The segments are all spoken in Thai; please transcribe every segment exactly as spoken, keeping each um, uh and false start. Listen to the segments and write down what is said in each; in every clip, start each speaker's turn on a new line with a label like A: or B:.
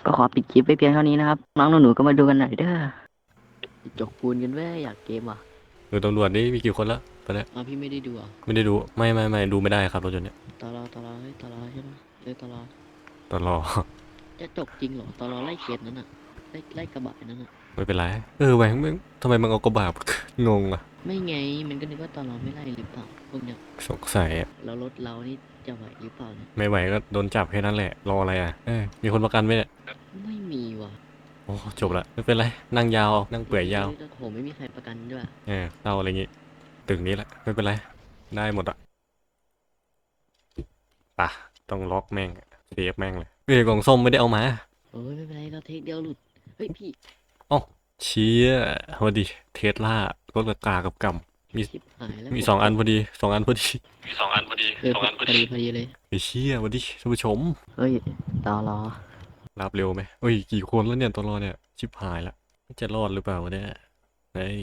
A: ก็ขอปิดคลิปไปเพียงเท่านี้นะครับน้องหนูๆก็มาดูกันหน่อยเด้อจกปูนกันเว้ยอยากเกมอ่ะ
B: ดูตำรวจนี่มีกี่คนละตอนเนี้ย
A: อ๋อพี่ไม่ได้ดูอ่ะ
B: ไม่ได้ดูไม่ไม่ไม่ดูไม่ได้ครับรถยนต์เนี่ย
A: ตอรอตอรอเฮ้ยตอรอใช่ไหมเอ้ยตอรอ
B: ตลอ
A: จะจกจริงเหรอตอรอไล่เคสนั้นอ่ะไล่ไล่กระบะนั้นอ่ะ
B: ไม่เป็นไรเออแหวงมึงทำไมมึงเอากระบะ งงอะ
A: ไม่ไงมันก็นึกว่าตอรอไม่ไล่หรือเปล่าพวกเนี้ย
B: สงสัยอะ
A: แล้วรถเรานี่จะไหวหรือเปล่าเนี่ย
B: ไม่ไหวก็โดนจับแค่นั้นแหละรออะไรอ่ะเออมีคนประกันไหมเนี่ย
A: ไม่มีว่ะ
B: โอ้จบละไม่เป็นไรนั่งยาวนั่งเปื่อยยาว
A: เอ้ยโหไม่มีใครประกันด้วย
B: เออเล่าอะไรงี้ตึงนี้แหละไม่เป็นไรได้หมดอะปะต้องล็อกแม่งเซฟแม่งเลยเอ้ยกล่องส้มไม่ได้เอามา
A: โอ้ยไม่เป็นไรเราเทคเดียวหลุดเฮ้ยพี่
B: อ๋อเชี่ยพอดีเทสลารถราคากับกำมี
A: ชิบหายแล้ว
B: มี
A: ผมตก
B: สองอันพอดีสองอันพอดี
C: มีสองอันพอดี
A: เออพอ
C: สองอันพอดี
A: พอดีพอดีเลย
B: ไอ้เชี่ยวันดีท่านผู้ชม
A: เฮ้ยตอรอ
B: รับเร็วไหมเอ้ยกี่คนแล้วเนี่ยตอนรอเนี่ยชิบหายละจะรอดหรือเปล่าวะเนี่ยเฮ้ย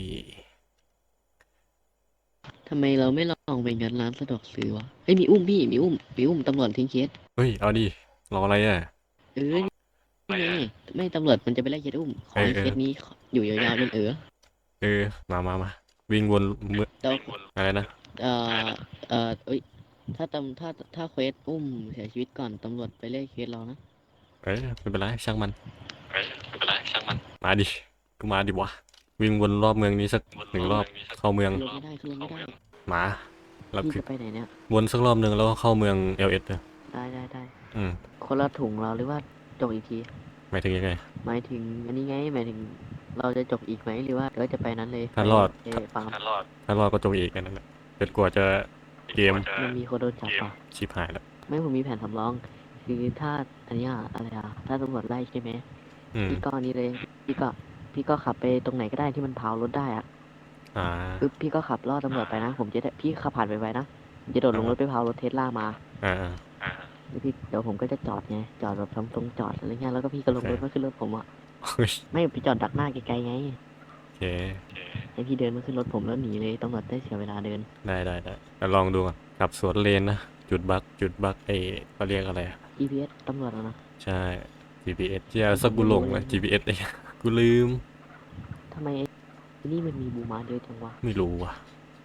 A: ทำไมเราไม่ลองไปงัดร้านสะดวกซื้อวะเฮ้ยมีอุ้มพี่มีอุ้มมีอุ้มตำรวจทิ้งเคส
B: เฮ้ยเอาดิรออะไรอ่ะ
A: เออนี่ไงไม่ตำรวจมันจะไปไล่เคสอุ้มขอ
B: เออเออ
A: ให้เคสนี้อยู่ยาวๆจนเออ
B: เออมามามาวิ่งวนเมื่อ
A: แล้ว
B: อะไรนะ
A: เอ่อเอ่อเอ้ยถ้าตำถ้าถ้าเควสอุ้มเสียชีวิตก่อนตำรวจไปไล่เคสเรานะ
B: เออไม่เป็นไรช่างมัน
C: เฮ้ยไม่เป็นไรช่างมัน
B: มาดิก็มาดิวะวิ่งวนรอบเมืองนี้สักหนึ่งรอบเข้าเมือง
A: ขึ้นรถไม่ได้ขึ้นรถไม่ได้
B: มาเรา
A: พี่
B: คือ
A: จะไปไหนเนี่ย
B: วนสักรอบหนึ่งแล้วก็เข้าเมืองเอลเอสเลย
A: ได้ได้ได้
B: อืม
A: คนละถุงเราหรือว่าจกอีกที
B: หมายถึงยังไง
A: หมายถึงอันนี้ไงหมายถึงเราจะจกอีกไหมหรือว่าเราจะไปนั้นเลยไป
B: ถ้ารอด
A: เออฟัง
C: ถ้ารอด
B: ถ้ารอดก็จบอีกกันนั่นแหละจนกว่าจะเกม
A: มันมีคนโดนจับป่ะ
B: ชิบหายแล้ว
A: ไม่ผมมีแผนสำรองคือถ้าอันเนี้ยอะไรอ่ะถ้าตำรวจไล่ใช่ไหม
B: อืม
A: พี่ก็อันนี้เลยพี่ก็พี่ก็ขับไปตรงไหนก็ได้ที่มันเผารถได้อ่ะ
B: อ่า
A: ปึ๊บพี่ก็ขับล่อตำรวจไปนะผมจะได้พี่ขับผ่านไปไวๆนะผมจะโดดลงรถไปเผารถเทสลามา
B: อ่า
C: อ่า
A: แล้วพี่เดี๋ยวผมก็จะจอดไงจอดแบบทำตรงจอดอะไรเงี้ยแล้วก็พี่ก็ลงรถมาขึ้นรถผมอ่ะ
B: โอเค
A: ไม่พี่จอดดักหน้าไกลๆไง
B: โอเค
A: ให้พี่เดินมาขึ้นรถผมแล้วหนีเลยตำรวจได้เสียเวลาเดิน
B: ได้ได้ได้แล้วลองดูก่อนขับสวนเลนนะจุดบักจุดบักเอเขาเรียกอะไรอะ
A: จี พี เอส ตำรวจอะนะ
B: ใช่ จี พี เอส ที่สักกูหลงเลย จี พี เอส เอยกูลืม
A: ทำไมไอ้นี่มันมีบูมาเยอะจังวะ
B: ไม่รู้ว่ะ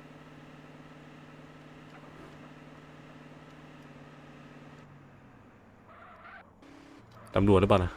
B: ตำรวจหรือเปล่านะ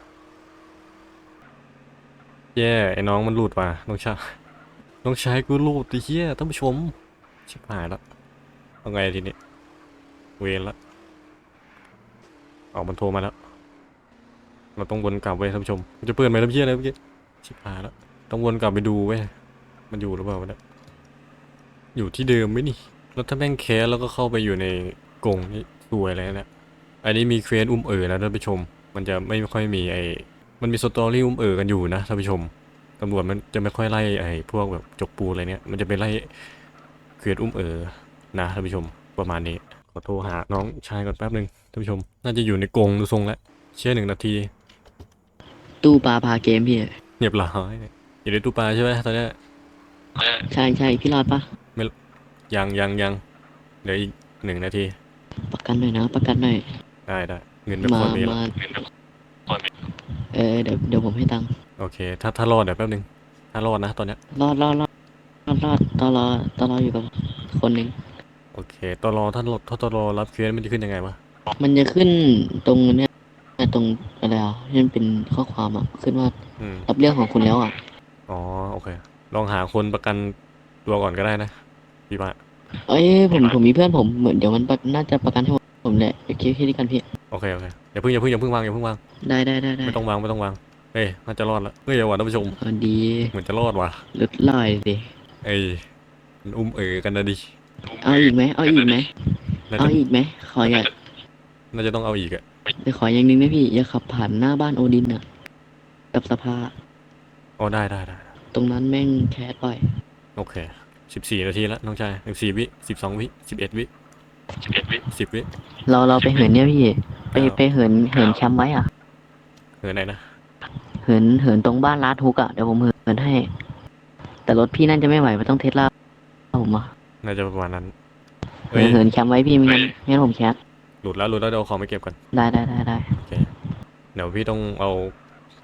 B: แย่ไอ้น้องมันหลุดว่ะน้องชายน้องชายกูหลุดไอ้เหี้ยท่านผู้ชมชิบหายแล้วเอาไงทีนี้เวรละออกมันโทรมาแล้วเราต้องวนกลับเว้ยท่านผู้ชมมันจะเปิดไหมล่ะเหี้ยอะไรเมื่อกี้ชิบหายแล้วต้องวนกลับไปดูเว้ยมันอยู่หรือเปล่าวะเนี่ยอยู่ที่เดิมไหมนี่แล้วถ้าแม่งแคสแล้วก็เข้าไปอยู่ในกรงนี่สวยเลยนะอันนี้มีเควสอุ้มเอ๋อนะท่านผู้ชมมันจะไม่ค่อยมีไอ้มันมีสตอรี่อุ้มเอ๋อกันอยู่นะท่านผู้ชมตำรวจมันจะไม่ค่อยไล่ไอ้พวกแบบจกปูอะไรเนี้ยมันจะไปไล่เควสอุ้มเอ๋อนะท่านผู้ชมประมาณนี้ขอโทรหาน้องชายก่อนแป๊บนึงท่านผู้ชมน่าจะอยู่ในกรงดูทรงแล้วเชื่อหนึ่งนาที
A: ตู้ปลาพาเกมพี่
B: เรียบร้อยอยู่ในตู้ปลาใช่ไหมตอนเนี้ย
A: ใช่ใช่พี่รอดปะ
B: ยังยังยังเหลืออีกหนึ่งนาที
A: ประกันหน่อยนะประกันหน่อย
B: ได้ได้เงินไม่
A: มา
B: ควรมีแล้ว
A: มาเออเดี๋ยวเดี๋ยวผมให้ตังค์
B: โอเคถ้าถ้ารอดเดี๋ยวแป๊บนึงถ้ารอดนะตอนเนี้ย
A: รอดรอดรอดรอดรอดตอรอตอรออยู่กับคนหนึ่ง
B: โอเคตอรอถ้ารอถ้าตอรอรับเคสมันจะขึ้นยังไงวะ
A: มันจะขึ้นตรงเนี้ยตรงอะไรอ่ะที่มันเป็นข้อความอ่ะขึ้นว่า
B: อืม
A: รับเรื่องของคุณแล้วอ่ะ
B: อ๋อโอเคลองหาคนประกันตัวก่อนก็ได้นะพี่ว่า
A: เอ้ยผมผมมีเพื่อนผมเหมือนเดี๋ยวมันประน่าจะประกันให้ผมแหละโอเคแค่นี้กันพี่
B: โอเคโอเคอย่าเพิ่งอย่าเพิ่งอย่าเพิ่งวางอย่าเพิ่งวาง
A: ได้ได้ได้ได้
B: ไม่ต้องวางไม่ต้องวางเอ้ยน่าจะรอดละเฮ้ยอย่าหวั่นท่านผู้ชม
A: เออดี
B: เหมือนจะรอดว่ะ
A: ลดลอยดิ
B: เอ้ยมันอุ้มเอ๋อกันนะดิ
A: เอาอีกไหมเอาอีกไหม
B: น่า
A: เอา
B: จะ
A: อีกไหมขออย่า
B: น่าจะต้องเอาอีกอะ
A: เดี๋ยวขออย่างหนึงนะพี่อย่าขับผ่านหน้าบ้านโอดินอ่ะกับสภา
B: อ๋อได้ได้ได้
A: ตรงนั้นแม่งแคสบ่อย
B: โอเคสิบสี่นาทีแล้วน้องชายสิบสี่วิสิบสองวิสิบเอ็ดวิ
C: สิบเอ็ดวิ
B: สิบวิ
A: เราเราไปเหินเนี่ยพี่ไป
B: อ้าว
A: ไปเหินเหินแคมป์ไว้อ่ะ
B: เออไหนนะ
A: เหินเหินตรงบ้านลาดฮุกอ่ะเดี๋ยวผมเหินให้ แต่รถพี่นั่นจะไม่ไหวมันต้องเทสลาผมอ่ะ
B: น่าจะประมาณนั้น
A: เหิ
B: เฮ้ย
A: นเหินแคมป์ไว้พี่ไม่งั้นไม่งั้นผมแคส
B: หลุดแล้วหลุดแล้วเดี๋ยวเอาของไปเก็บก่อน
A: ได้ได้ได้ได้
B: โอเคเดี๋ยวพี่ต้องเอา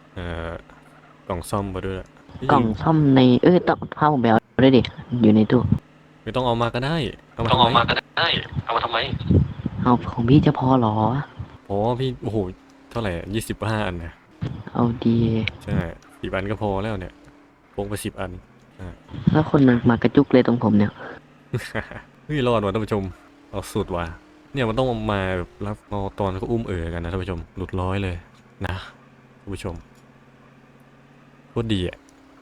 B: เอ่อกล่องซ่อมมาด้วยเฮ้ย
A: กล่องซ่อมในเอ้ยต้องพาผมไปเอาด้วยดิอยู่ในตู้
B: ไม่ต้องเอามาก็ได้เอามา
C: ต้อง
B: ทำไม
C: เอามาก็ได้เอามาทำไม
A: เอาของพี่จะพอเหรอ
B: พอพี่โอ้โหเท่าไหร่ยี่สิบห้าอันนะ
A: เอาดี
B: ใช่สิบอันก็พอแล้วเนี่ยพกไปสิบอันใช่
A: แล้วคนมันมากระจุกเลยตรงผมเนี่ย
B: เฮ้ยรอดว่ะท่านผู้ชมเอาสุดว่ะเนี่ยมันต้องมาแบบรับเอาตอนเขาอุ้มเอ๋อกันนะท่านผู้ชมหลุดร้อยเลยนะท่านผู้ชมโคตรดีอ่ะ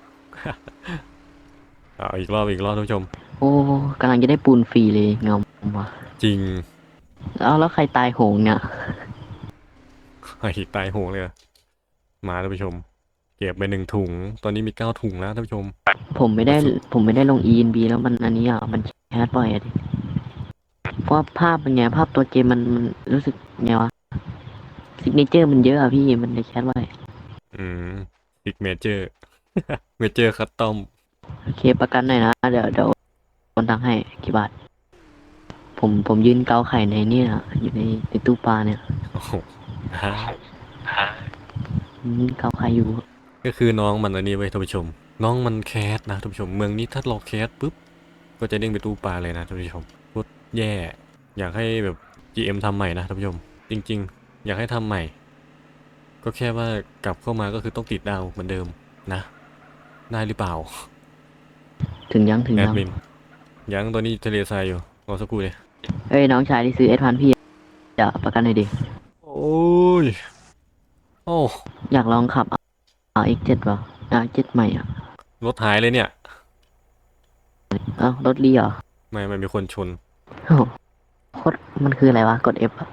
B: เอาอีกรอบอีกรอบท่านผู้ชม
A: โอ้กำลังจะได้ปูนฟรีเลยเงาว่ะ
B: จริง
A: แล้วแล้วใครตายโหงเนี่ย
B: ไอ้ตายโหงเลยอะมาท่านผู้ชมเก็บไปหนึ่งถุงตอนนี้มีเก้าถุงแล้วท่านผู้ชม
A: ผมไม่ได้ผมไม่ได้ลง อี เอ็น บี แล้วมันอันนี้อ่ะมันแคสบ่อยอะดิเพราะว่าภาพมันไงภาพตัวเกมมันมันรู้สึกไงวะซิกเนเจอร์มันเยอะอะพี่มันเลยแคสบ่อย
B: อืมซิกเมเจอร์ เมเจอร์คัสตอม
A: โอเคประกันหน่อยนะเดี๋ยวเดี๋ยวโอนตังค์ให้กี่บาทผมผมยืนเกาไข่ในเนี่ยอยู่ในในตู้ปลาเนี่ย
B: โอ้โหฮะ
C: ฮะ
A: อืมเกาไข่อยู่
B: ก็คือน้องมันอันนี้ไว้ยท่านผู้ชม น้องมันแคสนะท่านผู้ชมเมืองนี้ถ้าเราแคสปุ๊บก็จะเด้งไปตู้ปลาเลยนะท่านผู้ชมโคตรแย่อยากให้แบบ จี เอ็ม ทำใหม่นะท่านผู้ชม จริงๆ อยากให้ทำใหม่ ก็แค่ว่ากลับเข้ามาก็คือต้องติดดาวเหมือนเดิมนะได้หรือเปล่า
A: ถึงยังถึง
B: แอ
A: ยั
B: ด
A: ง
B: มินยังตอนนี้ทะเลทรายอยู่รอสักครู่เลย
A: เอ้ยน้องชายที่ซื้อเอสพันพี่จะประกันหน่อยดิ
B: โอ้ยโอ้
A: อยากลองขับ อาร์ เอ็กซ์ เจ็ด ป่ะ อาร์ เอ็กซ์ เจ็ด ใหม่อ่ะ
B: รถหายเลยเนี่ย
A: เอ้ารถลีเหรอ
B: ไม่ไม่มีคนชน
A: โอ้โหโคตรมันคืออะไรวะกด F อะ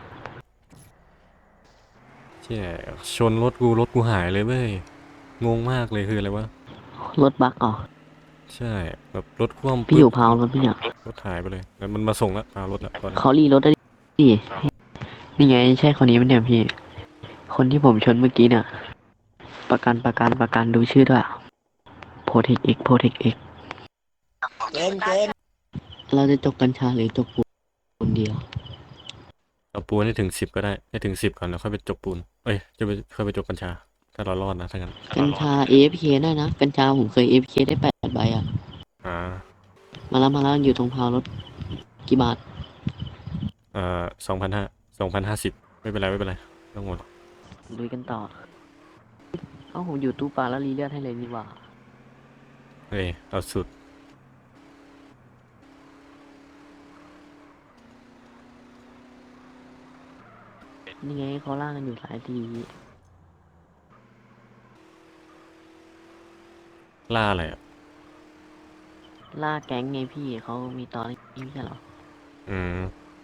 B: แช่ชนรถกูรถกูหายเลยเว้ยงงมากเลยคืออะไรวะ
A: รถบักอ๋อ
B: ใช่แบบรถคว่ำ
A: พี่อยู่
B: ปึ๊บ
A: พาวรถพี่เนี่ย
B: รถหายไปเลยแล้วมันมาส่งแล้วพารถแล้วตอนนี้
A: เขารีรถได้ดินี่ไงใช่คนนี้ไหมเนี่ยพี่ คนที่ผมชนเมื่อกี้เนี่ย ประกันประกันประกันดูชื่อด้วย Protect X Protect X
D: เกมเกม
A: เราจะจกกัญชาหรือจกปูนเดียว
B: เอาปูนให้ถึงสิบก็ได้ให้ถึงสิบก่อนแล้วค่อยไปจกปูนเอ้ยจะไปค่อยไปจกกัญชา ถ้าเรารอดนะถ้างั้น
A: กัญชา เอ เอฟ เค ได้นะ กัญชาผมเคย เอ เอฟ เค ได้แปดใบอ่ะ
B: อ่า
A: มาแล้วมาแล้วอยู่ตรงพาวรถ กี่บาท
B: เอ่อสองพันห้าสองพันห้าสิบไม่เป็นไรไม่เป็นไรไม่ต้องหมด
A: ลุยกันต่อ เอ้าผมอยู่ตู้ปลาแล้วรีเลือดให้เลยดีกว่า
B: เฮ้ยเอาสุด
A: นี่ไงเขาล่ากันอยู่สายที
B: ล่าอะไรอ่ะ
A: ล่าแก๊งไงพี่เขามีตอนนี้ไม่ใช่เหรอ
B: อืม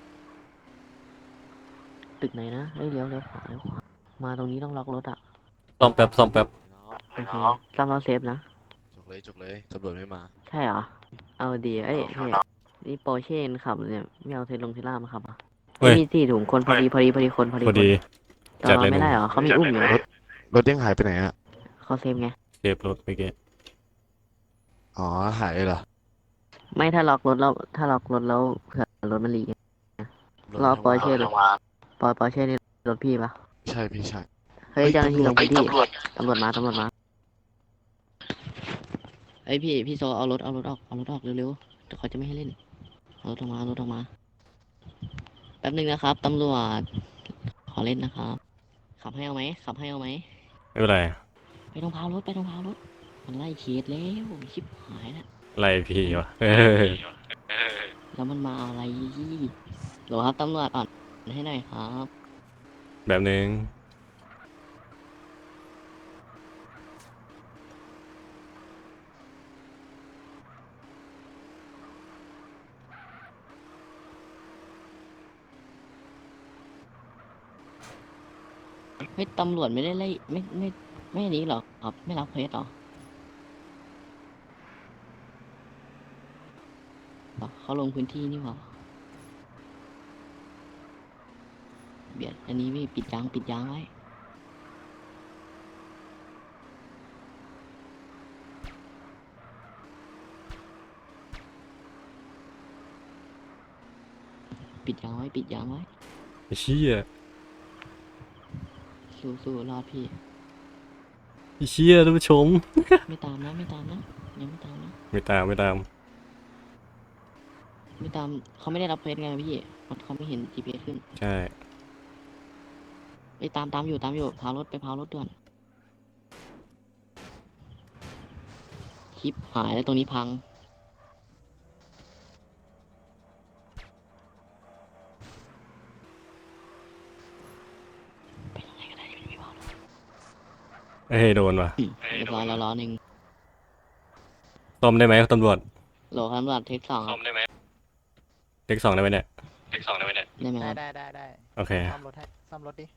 A: ตึกไหนนะเอ้ยเลี้ยวเลี้ยวขวาเลี้ยวขวา มาตรงนี้ต้องล็อกรถอ่ะ
B: ซ่อมแป๊บซ่อมแป๊บ
A: โอเคซ้ำเราเซฟนะ
D: จกเลยจกเลยตำรวจไม่มา
A: ใช่เหรอ เอาดีเอ้ยพี่นี่โปรเช่นขับเนี่ยไม่เอาเทสลงเทสล่ามาขับอ่ะ
B: เฮ้ย
A: มีสี่ถุงคนพอดีพอดีพอดีคนพอดี
B: พอดี
A: คน
B: จั
A: แต่
B: ด
A: เรา
B: เลย
A: ไม่
B: ห
A: ได้
B: นุ่ม
A: เหรอเขามีอุ้มอยู่นะ
D: รถยังหายไปไหนอ่ะ
A: เขาเซฟไง
B: เซฟรถไปเกะ
D: อ๋อหายเลยเหรอ
A: ไม่ถ้าล็อกรถแล้วถ้าล็อกรถแล้วเผื่อรถมันหลีก
D: รถ
A: รอ
D: มัน
A: ปอร์เช่
D: ทำ
A: เล
D: งาย น
A: ปอปอร์เช่นี่รถพี่ปะ
D: ใช่พี่ใช่
A: เฮ้ยเจ้าหน้าที่ลงพื้นที่
D: ตำรวจ
A: ตำรวจมาตำรวจมาเฮ้ยพี่พี่โซเอารถเอารถออกเอารถออกเร็วๆเดี๋ยวเขาจะไม่ให้เล่นเอารถออกมาเอารถออกมาแป๊บนึงนะครับตำรวจขอเล่นนะครับขับให้เอาไหมขับให้เอาไหม
B: ไม่เป็นไร
A: ไปตรงพาวรถไปตรงพาวรถมันไล่เคสแล้วชิบหายแล้ว
B: ไล่พี่วะเออ
C: เออ
A: แล้วมันมาอะไรโหลครับตำรวจอ่อนให้หน่อยครับ
B: แบบนึง
A: เฮ้ยตำรวจไม่ได้ไล่ไม่ไม่ไม่อันนี้หรอครับไม่รับเคสหรออ๋อเขาลงพื้นที่นี่หว่าเบียดอันนี้พี่ปิดยางปิดยางไว้ ปิดยางไว้ปิดยางไว้
B: ไอ้เชี่ย
A: สู้สู้รอดพี่
B: เชี่ยท่านผู้ชม
A: ไม่ตามนะไม่ตามนะยังไม่ตามนะ
B: ไม่ตามไม่ตาม
A: ไม่ตามเขาไม่ได้รับเควสไงพี่มันเขาไม่เห็น จี พี เอส ขึ้น
B: ใช่
A: ไปตามตามอยู่ตามอยู่พารถไปพารถด่วนคลิปหายแล้วตรงนี้พังไปตรงไหนก็ได้ที่ไม่มีพารถ
B: เอ้ยโดนว่ะ
A: อืมเรียบร้อยแล้วล้อหนึ่ง
B: ซ่อมได้ไหมตำรวจ
A: โหลครับตำรวจเทคสองค
C: ซ่อ
A: รับ
C: มได้ไหม
B: เด็กสองได้ไหมเนี่ย
C: เด็กสองได้ไหมเนี่ย
A: ได้ไหมค
E: ได้
A: รับ
E: ได้ได้ได้
B: โอเค
E: ซ่อมรถให้ซ่อมรถดิ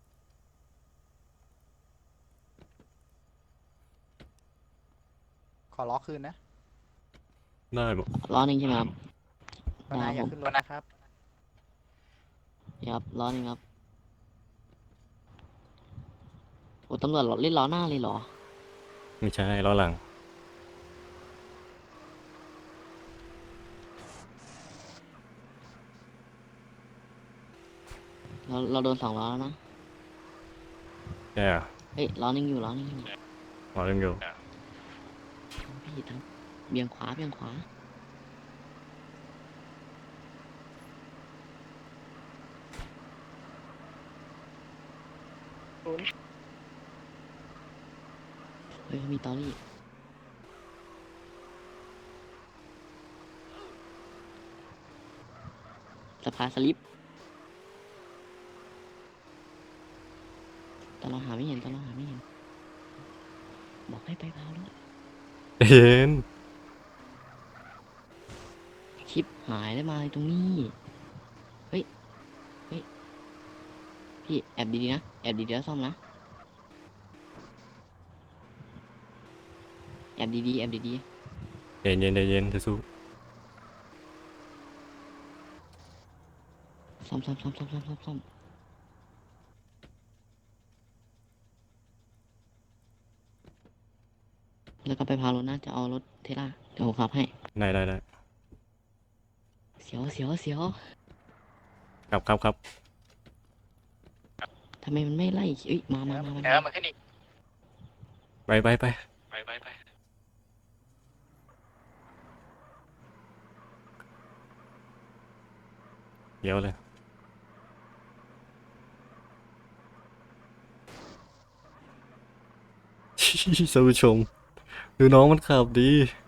E: ขอล้อคืนนะ
B: ได้หมด
A: ล้อหนึ่งใช่ไหมครับ
E: วันนายอย่า
A: ผม
E: ขึ้นรถนะครับ
A: ครับล้อหนึ่งครับโอ้ตำรวจเล่นล้อหน้าเลยเหรอ
B: ไม่ใช่ล้อหลัง
A: เราเราโดนสองล้อแล้วนะ
B: ใช่อ่ะ
A: เฮ้ยล้อหนึ่งอยู่ล้อหนึ่งอยู่
B: ล้อเล่นอยู่
A: พี่ทำเบี่ยงขวาเบี่ยงขวาเฮ้ยมีตอรี่สะพานสลิปแต่เราหาไม่เห็นแต่เราหาไม่เห็น บอกให้ไปพาวรถ
B: เห็น
A: คลิปหายแล้วมาตรงนี้ เฮ้ย เฮ้ย พี่แอบดีๆนะ แอบดีๆแล้วซ่อมนะ แอบดีๆแอบดี
B: เย็นเย็นเย็นจะสู้
A: ๆซ่อมซ่อมซ่อมซ่อมซ่อมซ่อมซ่อมแล้วก็ไปพารถนะ จะเอารถเทล่าเดี๋ยวผมขับให้
B: ได้ได้ได้
A: เสียวเสียวเสียว
B: ครับครับครับ
A: ทำไมมันไม่ไล่เอ้ย มามามามา
C: เออมาขึ้นอีก
B: ไปไปไป
C: ไปไปไป
B: เดี๋ยวเลย ท่านผู้ชมดูน้องมันขับดี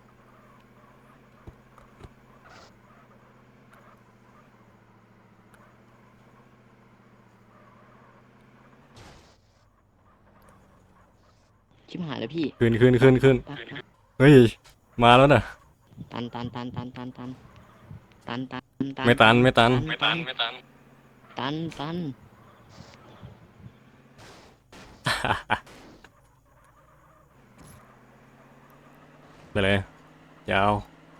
A: ชิบหายแล้วพี่
B: ขึ้นขึ้นขึ้นขึ้น
A: ปักปัก
B: เฮ้ย มาแล้วน่ะ
A: ตันตันตันตันตันตันตันตันตัน
B: ไม่ตันไม่ตัน
C: ไม่ตันไม่ตัน
A: ตันตัน
B: ไปเลย ยาว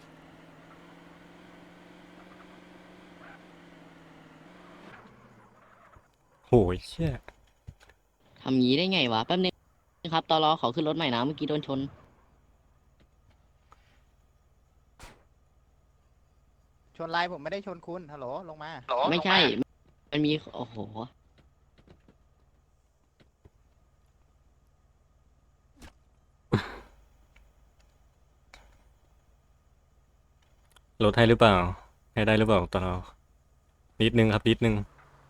B: โหยเชี่ย
A: ทำงี้ได้ไงวะ แป๊บนึงครับตอรอขอขึ้นรถใหม่นะ เมื่อกี้โดนชน
E: ชนไลน์ผมไม่ได้ชนคุณ ฮัลโหล ลงมา
C: หรอ
A: ไม่ใช่ มันมี โอ้โห
B: ลดให้หรือเปล่า ให้ได้หรือเปล่าตอนเรานิดนึงครับนิดนึง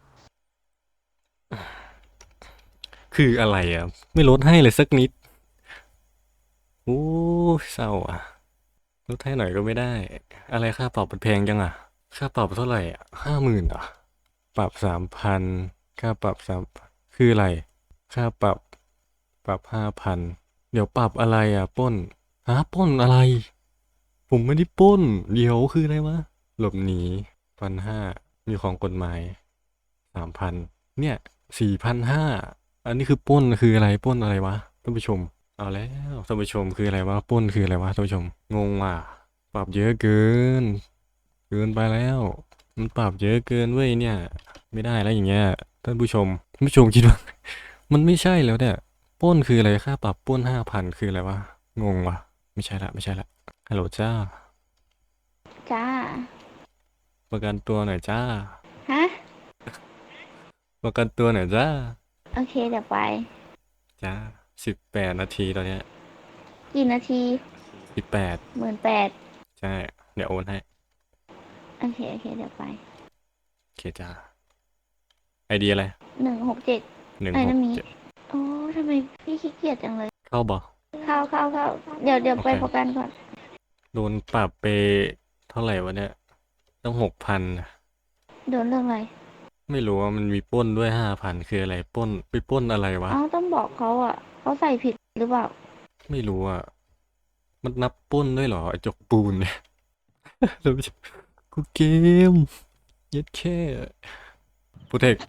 B: คืออะไรอ่ะ ไม่ลดให้เลยสักนิดโอ้ยเศร้าอ่ะลดให้หน่อยก็ไม่ได้ อะไรค่าปรับมันแพงจังอ่ะ ค่าปรับเท่าไหร่อ่ะห้าหมื่นอ่ะ ปรับสามพันค่าปรับสามคืออะไร ค่าปรับ ปรับห้าพันเดี๋ยวปรับอะไรอ่ะปล้นฮะปล้นอะไร ผมไม่ได้ปล้น เดี๋ยวคืออะไรวะ หลบหนีพันห้ามีของกฎหมายสามพันเนี่ยสี่พันห้าอันนี้คือปล้นคืออะไรปล้นอะไรวะท่านผู้ชม เอาแล้วท่านผู้ชมคืออะไรวะปล้นคืออะไรวะท่านผู้ชม งงว่ะปรับเยอะเกิน เกินไปแล้ว มันปรับเยอะเกินเว้ยเนี่ย ไม่ได้แล้วอย่างเงี้ยท่านผู้ชมท่านผู้ชมคิดว่า มันไม่ใช่แล้วเนี่ยปล้นคืออะไรค่าปรับปล้นห้าพันคืออะไรวะงงว่ะไม่ใช่ละไม่ใช่ละฮัลโหลจ้า
F: จ้า
B: ประกันตัวหน่อยจ้า
F: ฮะ
B: ประกันตัวหน่อยจ้า
F: โอเคเดี๋ยวไป
B: จ้าสิบแปดนาทีตอนเนี้ย
F: กี่นาที
B: สิบแปด
F: หมื่นแปด
B: ใช่ เดี๋ยวโอนให้
F: โอเค โอเค เดี๋ยวไป
B: โอเคจ้าไอเดียอะไร
F: หนึ่งหกเจ็ด
B: หนึ่ง
F: ไอ้
B: ห
F: นั่
B: ก
F: นมี
B: เจ็ด
F: โอ้ทำไมพี่ขี้เกียจจังเลย
B: เข้าบ่
F: เข้าเข้าเข้าเดี๋ยวเดี๋ยว
B: โอเค
F: ไปโฟกัสก่อน
B: โดนปรับไปเท่าไหร่วะเนี่ยต้องหกพัน
F: โดนเรื่องอะไร
B: ไม่รู้ว่ามันมีปล้นด้วยห้าพันคืออะไรปล้นไปปล้นอะไรวะ
F: เอ้าต้องบอกเขาอ่ะ เขาใส่ผิดหรือเปล่า
B: ไม่รู้อ่ะ มันนับปล้นด้วยเหรอไอจกปูนเนี่ย แล้วไม่ใช่กูเกมเย็ดแค่โปรเทค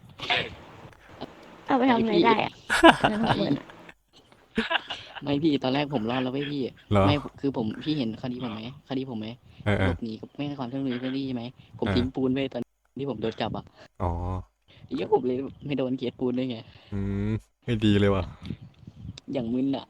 F: เอาไปทำอะไรได้อ่ะเงินหกหมื่นอะ
A: ไม่พี่ตอนแรกผมรอดแล้วไม่พี่
B: เหรอ
A: ไม่คือผมพี่เห็นคดีผมไหมคดีผมไหม
B: เออเอ
A: หล
B: อบ
A: หนีกับไม่ให้ความช่วยเหลือเจ้าหน้าที่ใช่ไหมผม
B: เออ
A: ทิ้งปูนไว้ตอนที่ผมโดนจับอ่ะ
B: อ๋อ
A: เยอะผมเลยไม่โดนเกียรติปูนด้วยไง
B: อืมไม่ดีเลยว่ะ
A: อย่างมึนอ่ะ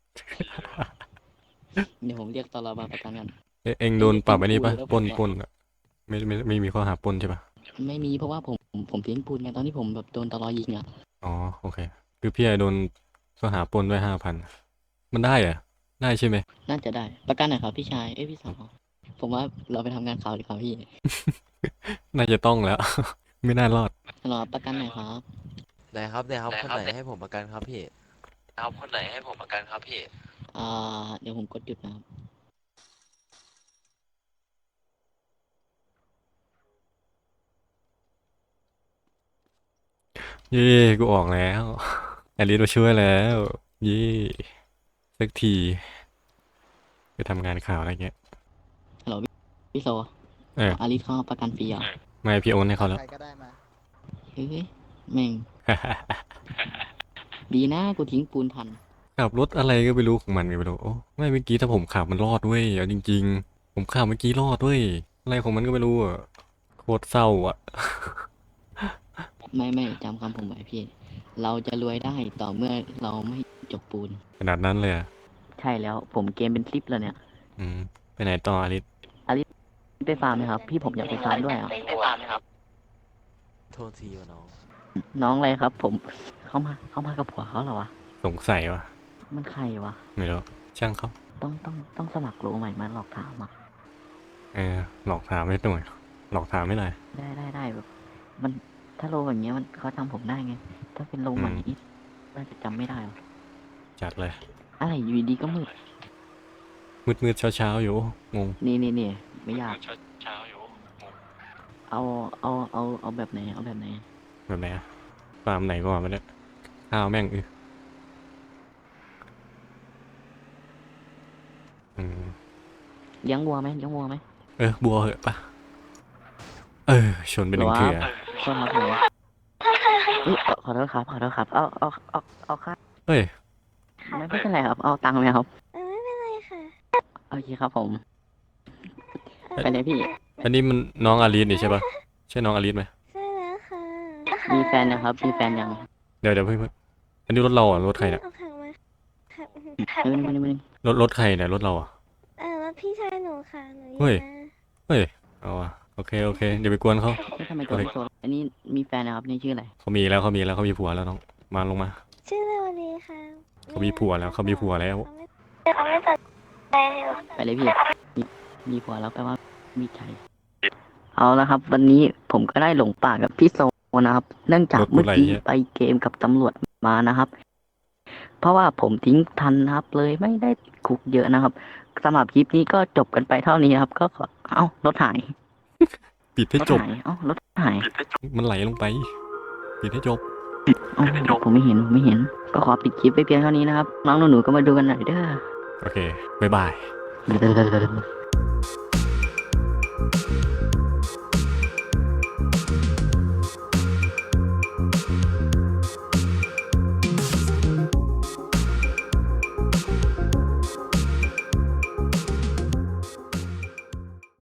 A: เดี๋ยวผมเรียกตลอมาประกันกัน
B: เอ๊ะเอ็งโดนปรับอันนี้ปะ
A: แล้ว
B: ปล้น
A: ผมอะ
B: ปล้นอะไม่ไม่ไม่มีข้อหาปล้นใช่ปะ
A: ไม่มีเพราะว่าผมผมทิ้งปูนไงตอนที่ผมแบบโดนตลอยิงอ่ะ
B: อ๋อโอเค คือพี่ไอโดนข้อหาปล้นด้วยห้าพันมันได้เหรอะได้ใช่ไหม
A: น่าจะได้ประกันหน่อยครับพี่ชายเอ้ยพี่สาวผมว่าเราไปทำงานข่าวดีกว่าพี่
B: น่าจะต้องแล้ว ไม่น่ารอด
A: รอประกันหน่อยครับ
G: ได้ครับได้ครับคนไหนให้ผมประกันครับพี่
C: ครับคนไหนให้ผมประกันครับพี่
A: อ่าเดี๋ยวผมกดหยุดนะครับ
B: เย่กูออกแล้วแอลิสมาช่วยแล้วเย่สักทีไปทำงานข่าวอะไรเงี้ย
A: ฮัลโหลพี่พี่โซ
B: เออ
A: อาริสเขาประกันฟรีเหรอ
B: ไม่พี่โอนให้เขาแล้ว
E: ใครก็ได้มา
A: เฮ้ยแม่ง ดีนะกูทิ้งปูนทัน
B: ขับรถอะไรก็ไม่รู้ของมันก็ไม่รู้โอ้ไม่เมื่อกี้ถ้าผมขับมันรอดเว้ยเอาจริงๆ ผมขับเมื่อกี้รอดเว้ยอะไรของมันก็ไม่รู้อ่ะโคตรเศร้าอ่ะ
A: ไม่ไม่จำคำผมไว้พี่ เราจะรวยได้ต่อเมื่อเราไม่จกปูน
B: ขนาดนั้นเลยอ่ะ
A: ใช่แล้วผมเกมเป็นคลิปแล้วเนี่ย
B: อืมไปไหนต่ออลิส
A: ไปฟาร์มไหมครับ พี่ผมอยากไปฟาร์มด้วยอ่ะ
C: ไปฟาร์มนะครับ
G: โทษทีวะน้อง
A: น้องอะไรครับ ผมเข้ามาเข้ามากับผัวเขาเหรอวะ
B: สงสัยวะ
A: มันใครวะ
B: ไม่รู้ช่างเขา
A: ต้องต้องต้องสมัครโลใหม่มาหลอกถามอ่ะ
B: เออหลอกถามไม่หน่อยหลอกถามไม่หน่อย
A: ได้ได้ได้แบบ มันถ้าโลอย่างเงี้ยมันเขาจำผมได้ไง ถ้าเป็นโลใหม่
B: อืม
A: นี่น่าจะจำไม่ได้หรอก
B: จัดเลย
A: อะไรอยู่ดีๆก็มืด
B: มืดมืดเช้าเช้าๆอยู่งง
A: นี่นี่นี่ไม่อยาก
C: เช้าเช้าอยู่
A: เอาเอาเอาเอาแบบไหนเอาแบบไหน
B: แบบไหนอะฟาร์มไหนก่อนมาเนี่ยข้าวแม่งอืออืม
A: เลี้ยงวัวไหมเลี้ยงวัวไหม
B: เออบัวเหอะปะเออชนไปหนึ่งเถื่อ
A: โทษครับผมอุ๊ยขอขอโทษครับขอโทษครับ เอาเอาเอาเอาค่า
B: เฮ้ย
A: ไม่ไม่เป็นไรครับ เอาตังค์ไหมครับ
F: เออไม่เป็นไรค่ะ
A: โอเคครับผม ไปเลยพี่
B: อันนี้มันน้องอาลีสนี่ใช่ปะใช่น้องอาลีสไหม
F: ใช่แล้วค่ะ
A: มีแฟนนะครับ มีแฟนยัง
B: เดี๋ยวเดี๋ยวเพิ่งเพิ่งอันนี้รถเราอ่ะรถใครเนี่ย
F: เอาถังมาค่ะ
A: ไม่ไม่ไม่ไม่
B: รถรถใครเนี่ยรถเราอ่ะ
F: เออแล้วพี่ชายหนูค่ะหนูอ
B: เฮ้ย
F: มา
B: เฮ้ยเอาอ่ะโอเคโอเคเดี๋ยวไปกวนเขา
A: ไม่ทำไมตัวโซอันนี้มีแฟนนะครับ นี่ชื่ออะไร
B: เขามีแล้วเขามีแล้วเขามีผัวแล้วน้องมาลงมา
F: ชื่อเรวดีค่ะ
B: เขามีผัวแล้วเขามีผัวแล้ว
F: เขาไม่เขาไม่ตัดใจหรอก
A: ไปเลยพี่ มีมีผัวแล้วแปลว่ามีใจ เอาละครับ วันนี้ผมก็ได้หลงป่ากับพี่โซนะครับ เนื่องจาก
B: รถกู
A: เมื่อ
B: ไหล
A: กี้
B: เนี่ย
A: ไปเกมกับตำรวจมานะครับ เพราะว่าผมทิ้งทันนะครับ เลยไม่ได้คุกเยอะนะครับสำหรับคลิปนี้ก็จบกันไปเท่านี้ครับ ก็ขอเอ้ารถหาย
B: ปิดให้
A: รถ
B: จบ
A: หายเอ้ารถหาย
B: มันไหลลงไปปิดให้จบ
A: เอ้าผมไม่เห็นผมไม่เห็น ก็ขอปิดคลิปไปเพียงเท่านี้นะครับ น้องหนูๆก็มาดูกันหน่อยเด้อ
B: โอเคบ๊ายบาย
A: เด้อ